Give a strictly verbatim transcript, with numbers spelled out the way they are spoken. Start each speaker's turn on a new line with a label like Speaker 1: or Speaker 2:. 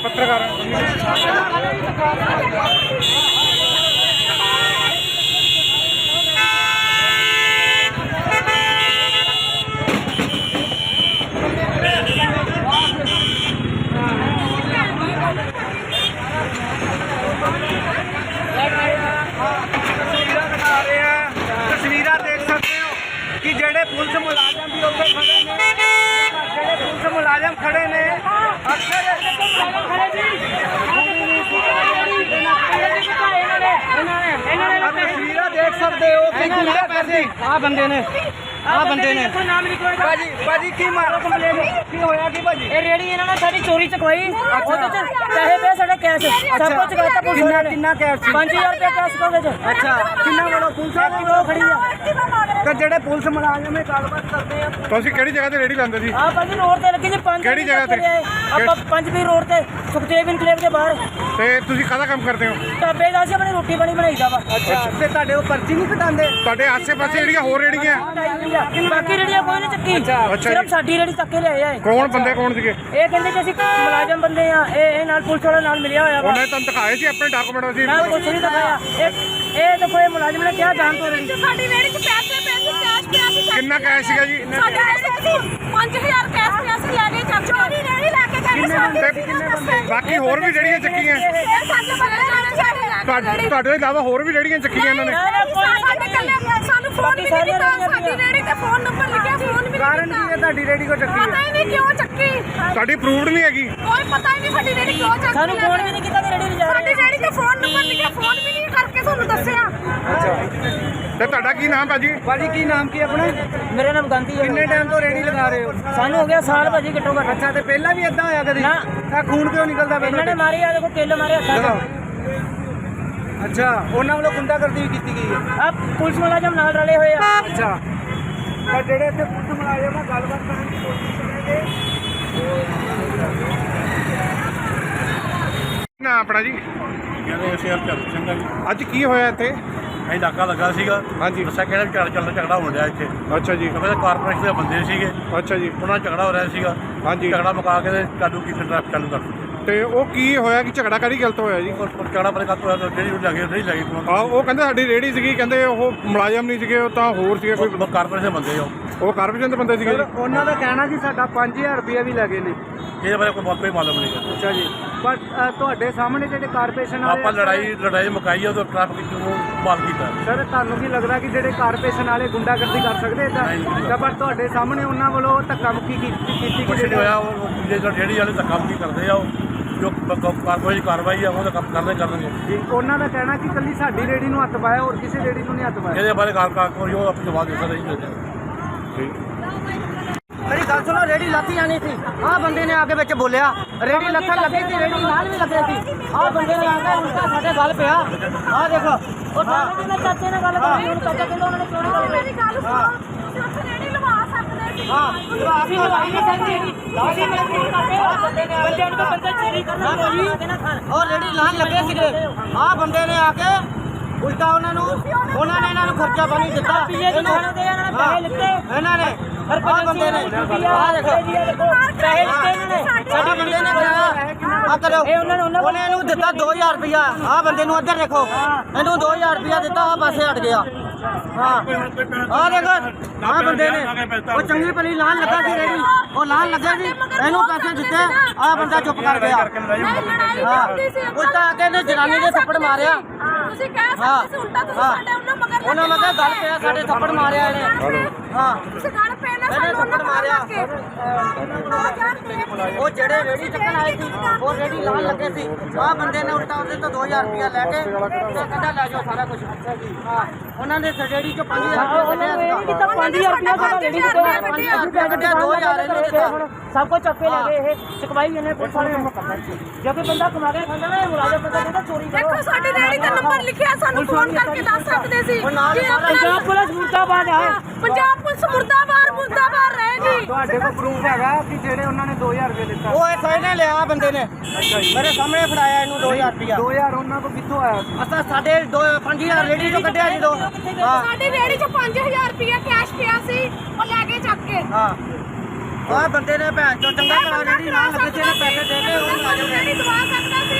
Speaker 1: पत्रकार तस्वीर देख सकते हो कि जेडे पुलिस मुलाजम भी उत्थे खड़े ने, जेडे पुलिस मुलाजम खड़े ने अक्सर तस्वीर देख सकते हो कि गुंडा पैसे आ बंदे ने आ बंदे ने भाजी भाजी की मारो कंप्लेन की होया की भाजी
Speaker 2: ਇਹ ਰੇੜੀ ਇਹਨਾਂ ਨੇ ਸਾਡੀ ਚੋਰੀ ਚਕਵਾਈ ਉਹਦੇ ਚ ਪੈਸੇ ਪਏ ਸਾਡੇ ਕੈਸ਼ ਸਭ ਕੁਝ ਚਕਾਤਾ ਪੁਲਿਸ
Speaker 1: किन्ना
Speaker 2: ਨੇ
Speaker 1: किन्ना कैश सी
Speaker 2: ਪੰਜ ਹਜ਼ਾਰ ਰੁਪਏ ਕੈਸ਼ ਕੋਦੇ ਚ
Speaker 1: अच्छा किन्ना वालों पुलिस
Speaker 2: ਸਾਡੀ ਉਹ ਖੜੀ ਆ
Speaker 1: तो जेडे पुलिस मुलाजम है गलबात करते हैं
Speaker 3: ਤੁਸੀਂ ਕਿਹੜੀ ਜਗ੍ਹਾ ਤੇ ਰੇੜੀ ਲਾਉਂਦੇ ਸੀ?
Speaker 2: ਆ ਭਾਜੀ ਰੋਡ ਤੇ ਲੱਗੀ ਜੀ ਪੰਜ
Speaker 3: ਕਿਹੜੀ ਜਗ੍ਹਾ ਤੇ?
Speaker 2: ਆਪਾਂ ਪੰਜ ਵੀ ਰੋਡ ਤੇ ਸੁਖਦੇਵ ਇਨਕਲੇਵ ਦੇ ਬਾਹਰ
Speaker 3: ਤੇ ਤੁਸੀਂ ਕਾਹਦਾ ਕੰਮ ਕਰਦੇ ਹੋ?
Speaker 2: ਢਾਬੇ ਦਾ ਸੀ ਆਪਣੀ ਰੋਟੀ ਪਾਣੀ ਬਣਾਈਦਾ ਵਾ
Speaker 1: अच्छा ते ਤੁਹਾਡੇ ਉਹ ਪਰਚੀ ਨਹੀਂ ਕਟਾਉਂਦੇ
Speaker 3: ਤੁਹਾਡੇ ਆਸੇ-ਪਾਸੇ ਜਿਹੜੀਆਂ ਹੋਰ ਰੇੜੀਆਂ
Speaker 2: ਬਾਕੀ ਰੇੜੀਆਂ ਕੋਈ ਨਹੀਂ ਚੱਕੀ
Speaker 3: ਅੱਛਾ
Speaker 2: ਸਿਰਫ
Speaker 3: ਜੀ।
Speaker 2: ਸਾਡੀ ਰੇੜੀ ਚੱਕੇ ਲਿਆਏ ਆ ਇਹ।
Speaker 3: ਕੌਣ ਬੰਦੇ ਕੌਣ ਸੀਗੇ?
Speaker 2: ਇਹ ਕਹਿੰਦੇ ਕਿ ਅਸੀਂ ਮੁਲਾਜ਼ਮ ਬੰਦੇ ਆ ਇਹ ਇਹ ਨਾਲ ਪੁਲਿਸ ਵਾਲਾ ਨਾਲ ਮਿਲਿਆ ਹੋਇਆ ਵਾ
Speaker 3: ਉਹਨੇ ਤੁਹਾਨੂੰ ਦਿਖਾਏ ਸੀ ਆਪਣੇ ਡਾਕੂਮੈਂਟ ਸੀ?
Speaker 2: ਨਾ ਕੁਛ ਨਹੀਂ ਦਿਖਾਇਆ ਇਹ ਇਹ ਤਾਂ ਕੋਈ ਮੁਲਾਜ਼ਮ ਨੇ ਕਿਹਾ ਜਾਣ ਤੋਂ ਰੇੜੀ
Speaker 4: ਸਾਡੀ ਰੇੜੀ 'ਚ ਪੈਸੇ ਪੈਸੇ ਕੈਸ਼ ਪਿਆ ਸੀ
Speaker 3: ਕਿੰਨਾ ਕੈਸ਼ ਸੀਗਾ ਜੀ?
Speaker 4: ਸਾਡੇ ਪੰਜ ਹਜ਼ਾਰ ਕੈਸ਼ ਪਿਆ ਸੀ ਲੈ ਕੇ ਚੱਕ ਚੋਰੀ ਰੇੜੀ ਲੈ ਕੇ ਗਏ ਸਾਡੇ
Speaker 3: ਬਾਕੀ ਹੋਰ ਵੀ ਜਿਹੜੀਆਂ ਚੱਕੀਆਂ
Speaker 4: ਇਹ ਸਾਡੇ ਬੰਦੇ ਜਾਣੇ ਸਾਡੇ
Speaker 3: ਤੁਹਾਡੇ ਤੁਹਾਡੇ ਤੋਂ ਇਲਾਵਾ ਹੋਰ ਵੀ ਜਿਹੜੀਆਂ ਚੱਕੀਆਂ ਇਹਨਾਂ ਨੇ?
Speaker 4: ਸਾਡੇ ਕੱਲੇ ਸਾਨੂੰ ਫੋਨ ਵੀ ਨਹੀਂ ਕੀਤਾ ਸਾਡੀ ਰੇੜੀ ਤੇ ਫੋਨ ਨੰਬਰ ਲਿਖਿਆ ਫੋਨ ਵੀ
Speaker 1: ਕਾਰਨ
Speaker 4: ਨਹੀਂ
Speaker 1: ਕੀ ਹੈ ਤੁਹਾਡੀ ਰੇੜੀ ਕੋ ਚੱਕੀ
Speaker 4: ਪਤਾ
Speaker 1: ਹੈ?
Speaker 4: ਹੀ ਨਹੀਂ ਕਿਉਂ ਚੱਕੀ
Speaker 3: ਤੁਹਾਡੀ ਅਪਰੂਵਡ ਨਹੀਂ ਹੈਗੀ?
Speaker 4: ਕੋਈ ਪਤਾ ਹੀ ਨਹੀਂ ਸਾਡੀ ਰੇੜੀ ਕਿਉਂ ਚੱਕੀ
Speaker 2: ਸਾਨੂੰ ਫੋਨ ਵੀ ਨਹੀਂ ਕੀਤਾ ਕਿ ਰੇੜੀ ਲਿਜਾ
Speaker 4: ਸਾਡੀ ਰੇੜੀ ਤੇ ਫੋਨ ਨੰਬਰ ਲਿਖਿਆ ਫੋਨ ਵੀ ਨਹੀਂ ਕਰਕੇ ਤੁਹਾਨੂੰ ਦੱਸਿਆ
Speaker 3: ਤੇ ਤੁਹਾਡਾ ਕੀ ਨਾਮ ਭਾਜੀ?
Speaker 1: ਭਾਜੀ ਕੀ ਨਾਮ ਕੀ ਆਪਣਾ?
Speaker 2: ਮੇਰਾ ਨਾਮ ਗਾਂਧੀ ਹੈ
Speaker 1: ਕਿੰਨੇ ਟਾਈਮ ਤੋਂ ਰੇੜੀ ਲਗਾ ਰਹੇ ਹੋ?
Speaker 2: ਸਾਨੂੰ ਹੋ ਗਿਆ ਸਾਲ ਭਾਜੀ ਘੱਟੋ ਘੱਟ
Speaker 1: ਅੱਛਾ ਤੇ ਪਹਿਲਾਂ ਵੀ ਇਦਾਂ ਹੋਇਆ ਕਦੇ?
Speaker 2: ਨਾ।
Speaker 1: ਤਾਂ ਖੂਨ ਕਿਉਂ ਨਿਕਲਦਾ
Speaker 2: ਇਹਨਾਂ ਨੇ
Speaker 1: ਪਹਿਲਾਂ?
Speaker 2: ਮਾਰੇ ਆ ਦੇਖੋ ਕਿੱਲ ਮਾਰੇ ਹੱਥਾਂ
Speaker 1: ਦਿਖਾਓ।
Speaker 2: 'ਚ
Speaker 1: ਅੱਛਾ ਉਹਨਾਂ ਵੱਲੋਂ ਗੁੰਡਾਗਰਦੀ ਵੀ ਕੀਤੀ ਗਈ ਹੈ?
Speaker 2: ਆ ਪੁਲਿਸ ਮੁਲਾਜ਼ਮ ਨਾਲ ਰਲੇ ਹੋਏ ਆ
Speaker 1: ਅੱਛਾ ਤਾਂ ਜਿਹੜੇ ਇੱਥੇ ਪੁਲਿਸ ਮੁਲਾਜ਼ਮ ਨਾਲ ਗੱਲਬਾਤ ਕਰਨ ਦੀ ਕੋਸ਼ਿਸ਼ ਕਰਾਂਗੇ।
Speaker 3: ਨਾ ਆਪਣਾ ਜੀ
Speaker 5: ਕਹਿੰਦੇ ਅਸੀਂ ਹਰ ਚੰਗਾ ਜੀ
Speaker 3: ਅੱਜ ਕੀ ਹੋਇਆ ਇੱਥੇ?
Speaker 5: ਅਸੀਂ ਨਾਕਾ ਲੱਗਾ ਸੀਗਾ
Speaker 3: ਹਾਂਜੀ।
Speaker 5: ਦੱਸਿਆ ਕਿਹੜਾ ਝੜ ਚੱਲ ਝਗੜਾ ਹੋਣ ਡਿਆ ਇੱਥੇ
Speaker 3: ਅੱਛਾ ਜੀ
Speaker 5: ਕਿਉਂਕਿ ਕਾਰਪੋਰੇਸ਼ਨ ਦੇ ਬੰਦੇ ਸੀਗੇ
Speaker 3: ਅੱਛਾ ਜੀ
Speaker 5: ਉਹਨਾਂ ਨਾਲ ਝਗੜਾ ਹੋ ਰਿਹਾ ਸੀਗਾ
Speaker 3: ਹਾਂਜੀ।
Speaker 5: ਝਗੜਾ ਮੁਕਾ ਕੇ ਤੇ ਚਾਲੂ ਕੀਤੀ ਟ੍ਰੈਫਿਕ ਚਾਲੂ ਕਰ ਦਿੱਤੀ
Speaker 3: ਤੇ ਉਹ ਕੀ ਹੋਇਆ ਕਿ ਝਗੜਾ ਕਰੀ ਗਲਤ ਹੋਇਆ ਜੀ?
Speaker 5: ਉਹ ਝਗੜਾ ਪਰੇ ਕੱਟ ਹੋਇਆ ਤਾਂ ਜਿਹੜੀ ਉਹ ਲੱਗੇ ਨਹੀਂ ਲੱਗੇ
Speaker 3: ਆ ਉਹ ਕਹਿੰਦੇ ਸਾਡੀ ਰੇੜੀ ਸੀਗੀ, ਕਹਿੰਦੇ ਉਹ ਮੁਲਾਜ਼ਮ ਨਹੀਂ ਸੀਗੇ, ਉਹ ਤਾਂ ਹੋਰ ਸੀਗੇ ਕੋਈ
Speaker 5: ਕਾਰਪੋਰੇਸ਼ਨ ਦੇ ਬੰਦੇ ਹੋ
Speaker 3: ਉਹ ਕਾਰਪੋਰੇਸ਼ਨ ਦੇ ਬੰਦੇ ਸੀਗੇ
Speaker 1: ਸਰ
Speaker 3: ਜੀ।
Speaker 1: ਉਹਨਾਂ ਦਾ ਕਹਿਣਾ ਜੀ ਸਾਡਾ ਪੰਜ ਹਜ਼ਾਰ ਰੁਪਏ ਵੀ ਲੱਗੇ ਨੇ।
Speaker 5: ਇਹਦੇ ਬਾਰੇ ਕੋਈ ਕੋਈ ਮਾਲੂਮ ਨਹੀਂ ਹੈ
Speaker 1: ਅੱਛਾ ਜੀ ਪਰ ਅ, ਤੁਹਾਡੇ ਸਾਹਮਣੇ ਜਿਹੜੇ ਕਾਰਪੋਰੇਸ਼ਨ ਵਾਲੇ
Speaker 5: ਆਪਾਂ ਲੜਾਈ ਲੜਾਈ ਮੁਕਾਈ ਆ ਤਾਂ ਟ੍ਰੈਫਿਕ ਨੂੰ ਮਾਲ ਕੀਤਾ
Speaker 1: ਸਰ ਤੁਹਾਨੂੰ ਕੀ ਲੱਗਦਾ ਕਿ ਜਿਹੜੇ ਕਾਰਪੋਰੇਸ਼ਨ ਵਾਲੇ ਗੁੰਡਾਗਰਦੀ ਕਰ ਸਕਦੇ ਇਦਾਂ?
Speaker 5: ਨਹੀਂ।
Speaker 1: ਤਾਂ ਪਰ ਤੁਹਾਡੇ ਸਾਹਮਣੇ ਉਹਨਾਂ ਵੱਲੋਂ ਧੱਕਾ ਮੁੱਕੀ ਕੀਤੀ ਕੀਤੀ
Speaker 5: ਕੁਛ
Speaker 1: ਕਿ
Speaker 5: ਨਹੀਂ ਹੋਇਆ ਉਹ ਜਿਹੜੇ ਜਿਹੜੀ ਵਾਲੇ ਤਾਂ ਕੰਮ ਕੀ ਕਰਦੇ ਆ ਉਹ ਜੋ ਕਾਰਵਾਈ ਕਾਰਵਾਈ ਆ ਉਹਦਾ ਕੰਮ ਕਰਦੇ ਕਰਨਗੇ
Speaker 1: ਜੀ ਉਹਨਾਂ ਦਾ ਕਹਿਣਾ ਕਿ ਕੱਲੀ ਸਾਡੀ ਰੇੜੀ ਨੂੰ ਹੱਥ ਪਾਇਆ ਹੋਰ ਕਿਸੇ ਰੇੜੀ ਨੂੰ ਨਹੀਂ ਹੱਥ ਪਾਇਆ।
Speaker 5: ਇਹਦੇ ਬਾਰੇ ਕਾਰ ਕਾਰ ਕੋਈ ਉਹ ਆਪਣੀ ਜਵਾਬ ਦੇ ਸਕਦਾ ਨਹੀਂ ਦਿੰਦੇ
Speaker 2: ਮੇਰੀ ਗੱਲ ਸੁਣੋ ਰੇੜੀ ਲੱਥੀ ਜਾਣੀ ਸੀ ਆਹ ਬੰਦੇ ਨੇ ਆ ਕੇ ਵਿੱਚ ਬੋਲਿਆ ਰੇੜੀ ਲੱਥਣ ਲੱਗੀ ਸੀ ਰੇੜੀ ਨਾਲ ਵੀ ਲੱਗੇ ਸੀ ਆਹ ਬੰਦੇ ਨੇ ਆ ਕੇ ਉਲਟਾ ਸਾਡੇ ਗੱਲ ਪਿਆ ਆਹ ਦੇਖੋ ਉਹ ਦਾਣੇ ਦੇ ਚਾਚੇ ਨਾਲ ਗੱਲ ਕਰੀ ਹੁਣ ਚਾਚਾ ਕਹਿੰਦਾ ਉਹਨਾਂ ਨੇ ਕਿਉਂ ਨਹੀਂ ਗੱਲ
Speaker 4: ਮੇਰੀ ਗੱਲ ਸੁਣੋ ਤੁਸੀਂ ਉੱਥੇ ਰੇੜੀ ਲਵਾ ਸਕਦੇ ਸੀ
Speaker 2: ਹਾਂ ਅਸੀਂ ਲਵਾਈ ਨਹੀਂ ਸਕਦੇ ਅਸੀਂ ਮਜਬੂਰ ਕਰਦੇ ਆ ਬੰਦੇ ਨੂੰ ਬੰਦਾ ਚੋਰੀ ਕਰਨਾ ਕੋਈ ਉਹ ਰੇੜੀ ਲਾਣ ਲੱਗੇ ਸੀਗੇ ਆਹ ਬੰਦੇ ਨੇ ਆ ਕੇ ਉਲਟਾ ਉਹਨਾਂ ਨੂੰ ਉਹਨਾਂ ਨੇ ਇਹਨਾਂ ਨੂੰ ਖਰਚਾ ਪਾਣੀ ਦਿੱਤਾ ਪੀਏ ਦੇ ਖਾਣੇ ਦੇ ਇਹਨਾਂ ਨੇ ਪੈਸੇ ਲਿੱਤੇ ਇਹਨਾਂ ਨੇ ਹਰ ਬੰਦੇ ਨੇ ਆਹ ਦੇਖੋ ਪੈਸੇ ਲਿੱਤੇ ਇਹਨਾਂ ਨੇ ਸਾਡੇ ਬੰਦੇ ਨੇ ਕਿਹਾ ਆ ਕਰੋ ਉਹਨੇ ਇਹਨੂੰ ਦਿੱਤਾ ਦੋ ਹਜ਼ਾਰ ਰੁਪਇਆ ਆਹ ਬੰਦੇ ਨੂੰ ਇੱਧਰ ਦੇਖੋ ਇਹਨੂੰ ਦੋ ਹਜ਼ਾਰ ਰੁਪਇਆ ਦਿੱਤਾ ਆਹ ਪਾਸੇ ਹਟ ਗਿਆ ਹਾਂ ਆਹ ਦੇਖੋ ਆਹ ਬੰਦੇ ਨੇ ਉਹ ਚੰਗੀ ਭਲੀ ਲਾਣ ਲੱਗਾ ਸੀ ਰੇੜੀ ਉਹ ਲਾਣ ਲੱਗਾ ਸੀ ਇਹਨੂੰ ਪੈਸੇ ਦਿੱਤੇ ਆਹ ਬੰਦਾ ਚੁੱਪ ਕਰ ਗਿਆ ਹਾਂ ਉਲਟਾ ਆ ਕੇ ਇਹਨੇ ਜਨਾਨੀ ਦੇ ਥੱਪੜ ਮਾਰਿਆ
Speaker 4: ਤੁਸੀਂ ਕਹਿ ਸਕਦੇ ਸੀ ਉਲਟਾ ਤੁਸੀਂ ਸਾਡੇ ਉਹਨਾਂ ਮਗਰ
Speaker 2: ਉਹਨਾਂ ਮਗਰ ਗੱਲ ਪਿਆ ਸਾਡੇ ਥੱਪੜ ਮਾਰਿਆ ਇਹਨੇ ਹਾਂ
Speaker 4: ਤੁਸੀਂ ਗੱਲ ਪੈ ਨਾ
Speaker 2: ਇਹਨੇ
Speaker 4: ਸਾਨੂੰ
Speaker 2: ਥੱਪੜ ਮਾਰਿਆ
Speaker 4: ਮਾਰਿਆ
Speaker 2: ਉਹ ਜਿਹੜੇ ਰੇੜੀ ਚੱਕਣ ਆਏ ਸੀ ਉਹ ਰੇੜੀ ਲਾਣ ਲੱਗੇ ਸੀ ਆਹ ਬੰਦੇ ਨੇ ਉਲਟਾ ਉਹਦੇ ਤੋਂ ਦੋ ਹਜ਼ਾਰ ਰੁਪਇਆ ਲੈ ਕੇ ਤੇ ਕਹਿੰਦਾ ਲੈ ਜਾਓ ਸਾਰਾ ਕੁਝ ਹਾਂ ਉਹਨਾਂ ਨੇ ਰੇੜੀ ਚੋਂ ਪੰਜ ਹਜ਼ਾਰ ਰੁਪਇਆ ਕੱਢਿਆ ਸੀ ਤਾਂ ਪੰਜ ਹਜ਼ਾਰ ਰੁਪਇਆ ਸਾਡਾ ਰੇੜੀ ਤੋਂ ਕੱਢਿਆ ਦੋ ਹਜ਼ਾਰ ਇਹਨੂੰ ਦਿੱਤਾ ਸਭ ਕੁਝ ਚੱਕੇ ਲੈ ਗਏ ਇਹ ਚਕਵਾਈ ਇਹਨੇ ਪੁਲਿਸ ਵਾਲੇ ਨੂੰ ਕਰਨਾ ਜੇ ਕੋਈ ਬੰਦਾ ਕਮਾ ਕੇ ਖਾਂਦਾ ਨਾ ਇਹ ਮੁਲਾਜ਼ਮ ਬੰਦਾ ਕਹਿੰਦਾ ਚੋਰੀ ਕਰੋ
Speaker 4: ਦੇਖੋ ਸਾਡੀ ਰੇੜੀ ਦਾ ਨੰਬਰ ਲਿਖਿਆ ਸਾਨੂੰ ਫੋਨ ਕਰਕੇ ਦੱਸ ਸਕਦੇ ਸੀ
Speaker 2: ਪੰਜਾਬ ਪੁਲਿਸ ਮੁਰਦਾਬਾਦ ਹੈ
Speaker 4: ਪੰਜਾਬ ਪੁਲਿਸ ਮੁਰਦਾਬਾਦ ਮੁਰਦਾਬਾਦ ਰਹੇਗੀ
Speaker 1: ਤੁਹਾਡੇ ਕੋਲ ਪ੍ਰੂਫ ਹੈਗਾ ਕਿ ਜਿਹੜੇ ਉਹਨਾਂ ਨੇ ਦੋ ਹਜ਼ਾਰ ਰੁਪਏ ਦਿੱਤਾ?
Speaker 2: ਉਹ ਇਹ ਫਾਇਨੇ ਲਿਆ ਬੰਦੇ ਨੇ ਮੇਰੇ ਸਾਹਮਣੇ ਫੜਾਇਆ ਇਹਨੂੰ ਦੋ ਹਜ਼ਾਰ ਰੁਪਇਆ
Speaker 1: ਦੋ ਹਜ਼ਾਰ ਉਹਨਾਂ ਕੋਲ ਕਿੱਥੋਂ ਆਇਆ?
Speaker 2: ਅਸਾਂ ਸਾਡੇ ਦੋ ਪੰਜ ਹਜ਼ਾਰ ਰੇੜੀ ਤੋਂ ਕੱਢਿਆ ਜਦੋਂ ਹਾਂ
Speaker 4: ਸਾਡੀ ਰੇੜੀ 'ਚ ਪੰਜ ਹਜ਼ਾਰ ਰੁਪਇਆ ਕੈਸ਼ ਪਿਆ ਸੀ ਉਹ ਲੈ ਕੇ ਚੱਕ ਕੇ
Speaker 2: ਹਾਂ ਆਹ ਬੰਦੇ ਨੇ ਭੈਣ ਚੋ ਚੰਗਾ ਕਰਾ ਜਿਹੜੀ ਲਾਣ ਲੱਗੇ ਸੀ ਇਹਨੇ ਪੈਸੇ ਦੇ ਕੇ ਉਹ ਮੁਲਾਜ਼ਮ ਨੇ
Speaker 4: ਨਹੀਂ ਦਵਾ ਸਕਦਾ ਸੀ